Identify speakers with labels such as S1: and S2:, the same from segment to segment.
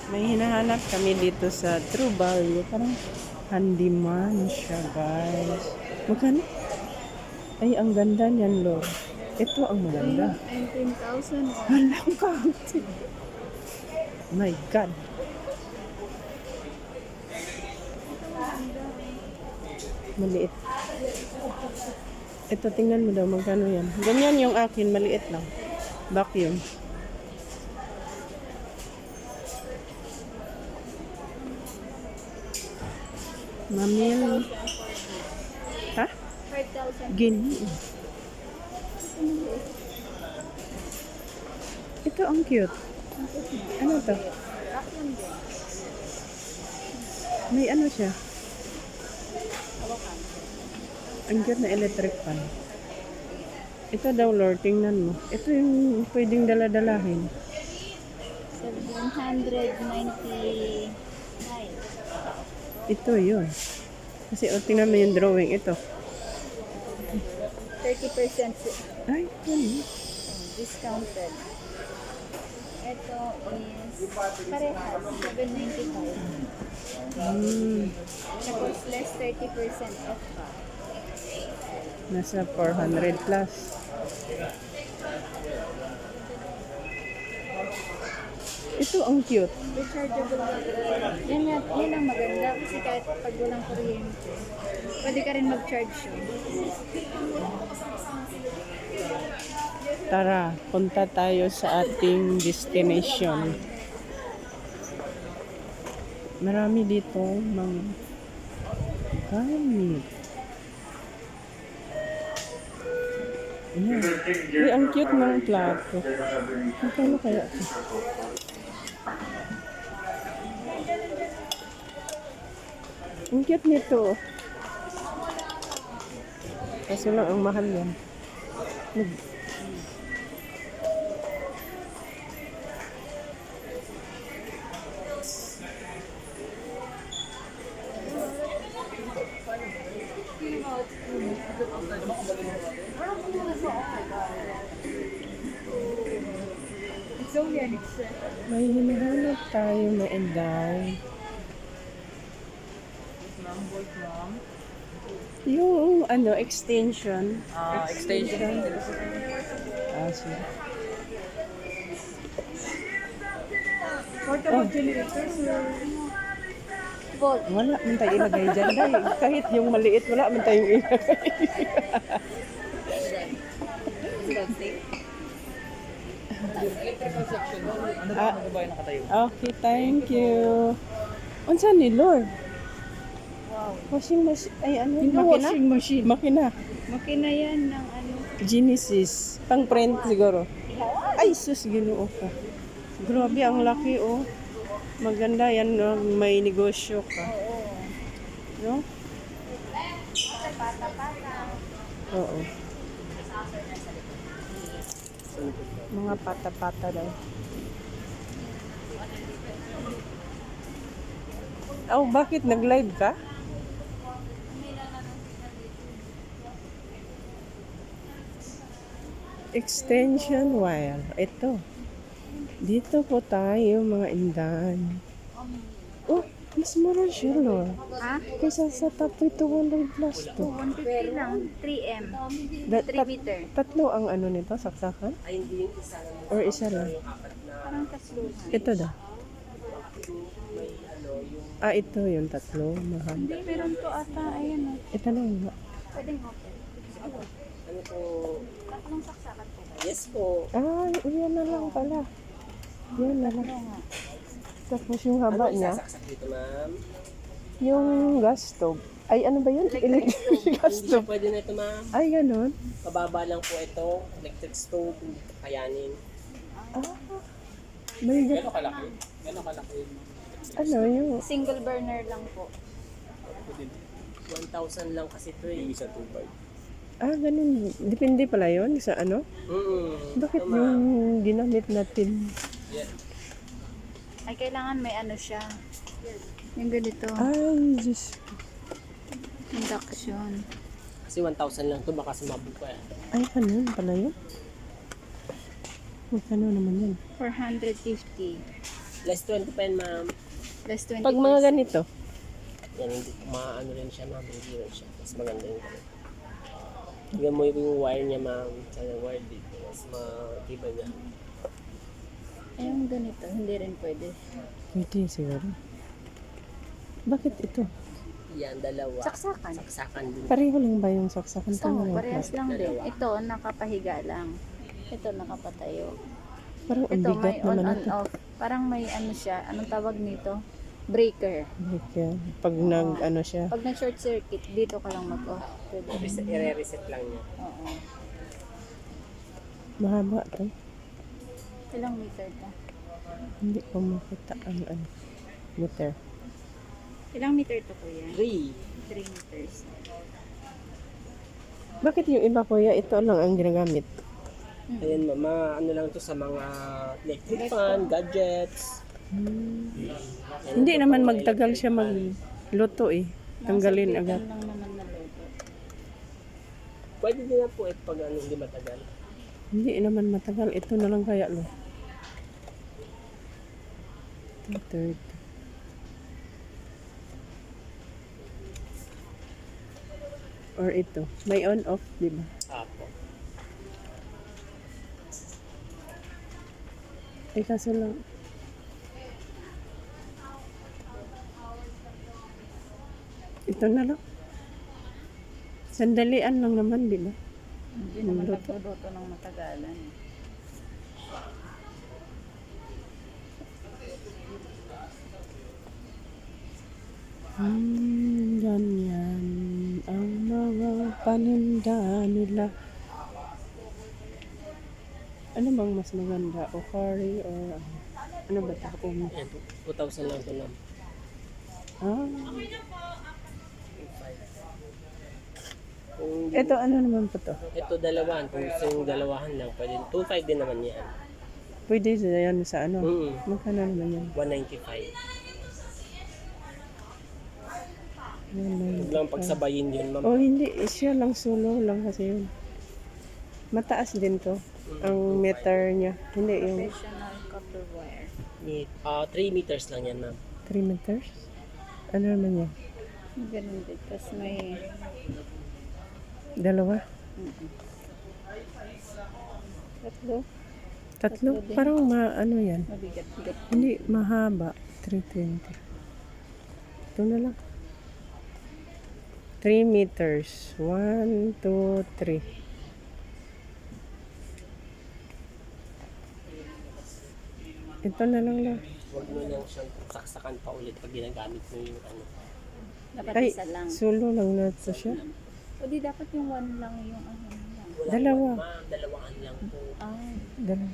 S1: May hinahanap kami dito sa True Value. Parang handyman siya, guys. Magkano? Ay, ang ganda niyan, lo. Ito ang maganda.
S2: 19,000.
S1: Walang kaunti. My God. Maliit. Ito, tingnan mo daw, magkano yan. Ganyan yung akin, maliit lang. Vacuum. Mamil. Ha?
S2: 5,000.
S1: Gini. Ito ang cute. Ano to?
S2: Vacuum din.
S1: May ano siya?
S2: Hawakan.
S1: Ang cute na electric fan. Ito daw, Lord, tingnan mo. Ito yung pwedeng dala-dalahin.
S2: 799.
S1: Ito yun. Kasi tingnan mo yung drawing. Ito.
S2: 30%
S1: Ay, yun.
S2: discounted. Ito is parehas, 795. Tapos less 30% off pa.
S1: Nasa 400 plus. Ito ang cute.
S2: Rechargeable battery. Yan ang maganda kasi kahit pag walang kuryente, pwede ka rin mag-charge yun.
S1: Tara, punta tayo sa ating destination. Marami dito mga gamit. Ayan. Uy, ang cute ng plato. Magkano kaya ito? Ang cute nito. Kaso lang ang mahal yan.
S2: It's only an extra.
S1: May hinahanap tayo na inday. Yung ano, extension.
S3: Extension.
S1: Ah, sige.
S2: Portable generator, sir. Volt.
S1: Wala man tayo ilagay dyan. Dahil kahit yung maliit, wala man tayong ilagay.
S3: Electrical section. Ano
S1: Ah.
S3: ba magbabayan nakatayo?
S1: Okay, thank you. Unsa ni Lord?
S2: Wow.
S1: Washing machine. Ay, ano?
S2: Yung
S1: Makina?
S2: washing machine.
S1: Makina.
S2: Makina yan ng ano.
S1: Genesis. Pang print siguro. Ay, sus, ginoo ka. Grabe, ang laki, oh. Maganda yan, no? May negosyo ka. No? Oo. Mga pata-pata daw. Oh, bakit? Nag-live ka? Extension wire. Ito. Dito po tayo, mga indan. Oh, mas mura siya, Lord.
S2: Ha?
S1: Kaysa sa Tapoy 200 plus to.
S2: 150 lang. 3M. 3 meter.
S1: Tatlo ang ano nito, saksakan?
S3: Ay, hindi yung isa lang.
S1: Or isa lang?
S2: Parang tasluhan.
S1: Ito daw.
S3: May ano, yung
S1: Ah, ito yung tatlo. Mahal.
S2: Hindi, meron to ata. Ayan o.
S1: Ito lang nga.
S2: Pwedeng open.
S3: ano po.
S2: Anong saksakan po?
S3: Yes po.
S1: Ah, yan na lang pala. Yan na lang. Tapos yung
S3: Ano
S1: haba niya,
S3: isasaksak dito, ma'am?
S1: yung gas stove. Ay, ano ba yun? Electric gas
S3: Hindi siya
S1: stove.
S3: pwede na ito, ma'am.
S1: Ay, ganun.
S3: Kababa lang po ito. Electric stove. Hindi ito kayanin.
S1: Ah, may
S3: Gano'ng kalaki? Gano'ng kalaki?
S1: ano yung...
S2: Single burner lang po.
S3: 1,000 lang kasi ito eh. Yung isa 2,500.
S1: Ah, ganun. Depende pala yun sa ano? Bakit
S3: Ito, ma'am.
S1: yung ginamit natin?
S3: Yeah.
S2: Ay, kailangan may ano siya. Yung ganito.
S1: Ay, Diyos.
S2: Induction.
S3: Kasi 1,000 lang ito. Baka sumabog pa eh.
S1: Ay, ganun pala yun. Magkano naman yun?
S2: 450.
S3: Less 20 pa yan, ma'am.
S2: Less 20
S1: Pag mga ganito,
S3: Yan, hindi, maano rin siya, ma'am. Hindi rin siya. Mas maganda yung ganun. Tingnan mo yung wire niya, ma'am. Sa wire dito. Mas matibay niya.
S2: Ay, yung ganito, hindi rin pwede.
S1: pwede siguro. Bakit ito?
S3: Yan, dalawa.
S2: Saksakan.
S3: Saksakan din.
S1: Pareho lang ba yung saksakan?
S2: So,
S1: Tama lang
S2: parehas
S1: ba?
S2: lang din. Ito, nakapahiga lang. Ito, nakapatayo.
S1: Parang ang
S2: Ito,
S1: bigat
S2: may on
S1: naman
S2: on
S1: ito.
S2: off. Parang may ano siya, anong tawag nito? Breaker.
S1: Kaya, pag nag ano siya,
S2: Pag nag-short circuit, dito ka lang mag-off. Pwede.
S3: I-reset lang niya.
S2: Oo.
S1: mahaba to.
S2: Ilang meter to?
S1: Hindi ko makita ang ano, meter.
S2: Ilang meter to, kuya?
S3: 3.
S2: 3 meters.
S1: Bakit yung iba kuya, ito lang ang ginagamit?
S3: Ayan, mama, ano lang to sa mga electric fan, gadgets.
S1: Hindi naman magtagal siya magluto eh. Tanggalin
S2: Nasa
S1: agad.
S2: pitan lang naman na logo.
S3: Pwede din na po pag ano, hindi matagal.
S1: Hindi naman matagal. Ito na lang kaya lo. 230. Or ito. May on-off, di ba?
S3: Apo.
S1: Eh kaso lang. Ito na lang. Sandalian lang naman, di ba?
S2: Hindi naman nagluluto ng matagalan.
S1: Ganyan ang mga paninda nila. Ano bang mas maganda? O curry or ano ba ito?
S3: Ayan, 2,000 lang ito lang.
S1: Ah,
S3: Kung
S1: ito ano naman po to?
S3: ito dalawahan, kung gusto yung dalawahan lang, pwede 2,500 din naman yan.
S1: Pwede yan sa ano? Magkano naman yan?
S3: 195.
S1: Ano
S3: Huwag lang pagsabayin yun, ma'am.
S1: Oh, hindi. Siya lang solo lang kasi yun. Mataas din to. Ang meter niya. Hindi yung
S2: Professional copper wire.
S3: 3 meters lang yan, ma'am.
S1: 3 meters. Ano naman yan?
S2: Ganun din. Tapos may...
S1: Dalawa?
S2: Tatlo.
S1: Tatlo?
S2: din.
S1: Parang ano yan.
S2: Mabigat-bigat.
S1: Hindi, mahaba. 320. Ito na lang. 3 meters. 1, 2, 3. Ito na lang lang.
S3: Huwag mo lang siyang saksakan pa ulit pag ginagamit mo yung ano.
S2: Dapat
S1: Ay,
S2: isa lang.
S1: solo lang na ito siya.
S2: O di dapat yung one lang yung ano lang.
S3: Wala
S1: Dalawa.
S3: naman, ma'am. Dalawahan lang po.
S2: Ah,
S1: Dalawa.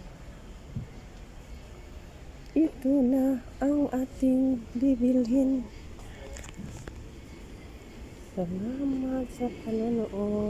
S1: Ito na ang ating bibilhin. Salamat sa panonood.